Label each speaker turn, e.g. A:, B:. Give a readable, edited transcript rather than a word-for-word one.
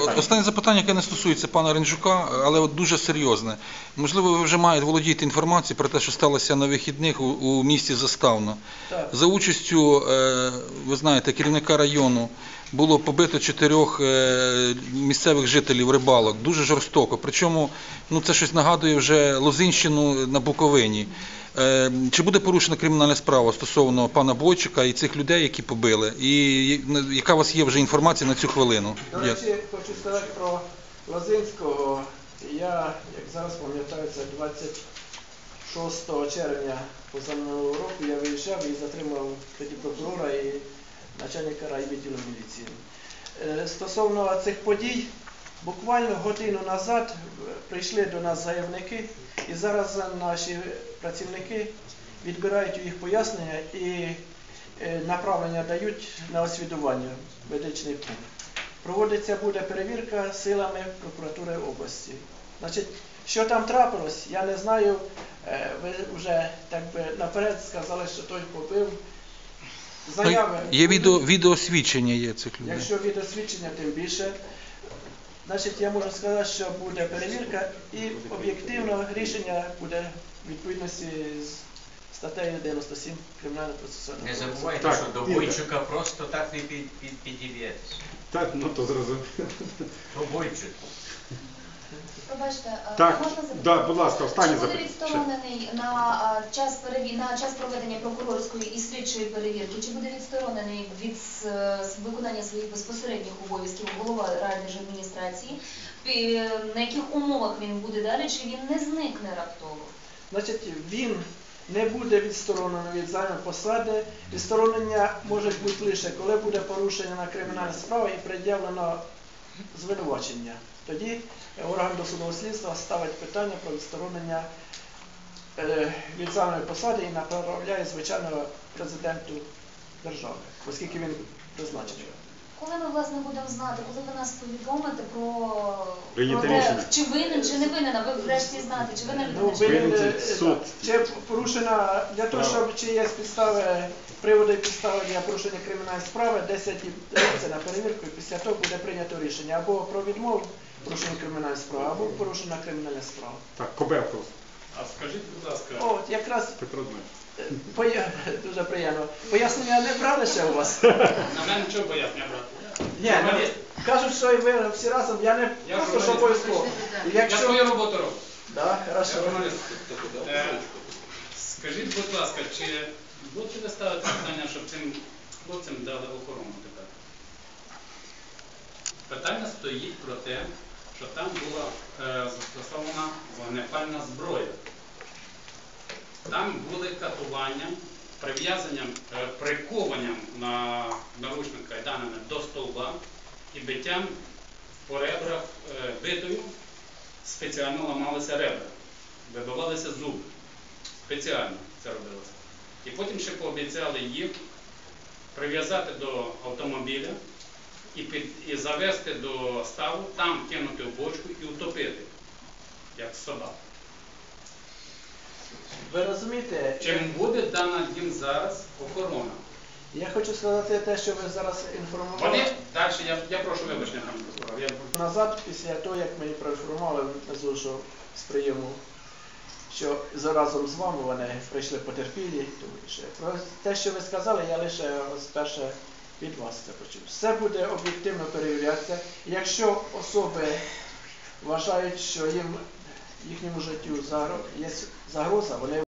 A: Останнє запитання, яке не стосується пана Ринджука, але от дуже серйозне. Можливо, ви вже володієте інформацією про те, що сталося на вихідних у місті Заставно.
B: Так.
A: За участю, ви знаєте, керівника району було побито 4 місцевих жителів рибалок. Дуже жорстоко. Причому це щось нагадує вже Лозинщину на Буковині. Чи буде порушена кримінальна справа стосовно пана Бойчика і цих людей, які побили? І яка у вас є вже інформація на цю хвилину?
B: До речі, хочу сказати про Лозинського. Я, як зараз пам'ятаю, це 26 червня позаминулого року я виїжджав і затримав тоді прокурора і начальника райвідділу міліції. Стосовно цих подій, буквально годину назад прийшли до нас заявники, і зараз наші працівники відбирають їх пояснення і направлення дають на освідування в медичний пункт. Проводиться буде перевірка силами прокуратури області. Значить, що там трапилось, я не знаю, ви вже так би наперед сказали, що той побив. Заяви.
A: Є відеосвідчення є цих людей.
B: Якщо відеосвідчення, тим більше. Значить, я можу сказати, що буде перевірка і об'єктивно рішення буде в відповідності з статтею 97 Кримінального процесуального
C: Не
B: кодексу.
C: забувайте, що до Бойчука просто так не підіб'єтесь.
D: Так, то зрозуміло.
C: То Бойчук.
E: Пробачте,
D: Так,
E: можна запитати?
D: да, будь ласка, останнє
E: Чи буде
D: запитання.
E: відсторонений на час проведення прокурорської і слідчої перевірки, чи буде відсторонений від виконання своїх безпосередніх обов'язків голова райдержадміністрації, на яких умовах він буде далі, чи він не зникне раптово?
B: Значить, він не буде відсторонений від займаної посади. Відсторонення може бути лише, коли буде порушена кримінальна справа і пред'явлено звинувачення. Тоді орган досудового слідства ставить питання про відсторонення від займаної посади і направляє, звичайно, президенту держави, оскільки він призначений.
E: Коли ми, власне, будемо знати, коли ви нас повідомите про
D: Прийняти
E: те,
D: рішення.
E: чи винен, чи не винен, а ви врешті знаєте, чи винен
B: Ну,
E: людина, чи не винен?
D: суд.
B: Чи порушена, для того, щоб чи є підстави, приводи і підстави для порушення кримінальної справи, 10 діб дається на перевірку, і після того буде прийнято рішення або про відмову порушення кримінальної справи, або порушена кримінальна справа.
D: Так, Кобевко.
F: А скажіть, будь ласка,
B: От, якраз
D: Петро Дмитрович.
B: дуже приємно. Пояснення не брали ще у вас?
F: на мене чого пояснення брати?
B: Ні, кажуть, що і ви всі разом, я не
F: Я
B: просто що
F: журналіст.
B: обов'язково.
F: Я свою роботу роблю.
B: Так,
F: Я
B: хорошо.
F: журналіст. Скажіть, будь ласка, чи будете ви ставити питання, щоб цим хлопцям дали охорону тепер? Питання стоїть про те, що там була застосована вогнепальна зброя. Там були катування, прив'язанням, прикованням на наручник кайданами до стовба і биттям по ребрах битою. Спеціально ламалися ребра, вибивалися зуби. Спеціально це робилося. І потім ще пообіцяли їх прив'язати до автомобіля і завести до ставу, там кинути в бочку і утопити, як собак.
B: Ви розумієте,
F: Чим буде дана їм зараз охорона?
B: я хочу сказати те, що ви зараз інформували.
F: Вони далі, я прошу вибачення, пане прокурор.
B: Назад, після того, як мені проінформували внизу, що з прийому, що разом з вами вони прийшли потерпілі. Про те, що ви сказали, я лише спершу від вас це почув. Все буде об'єктивно перевірятися. Якщо особи вважають, що їхньому життю є загроза, вони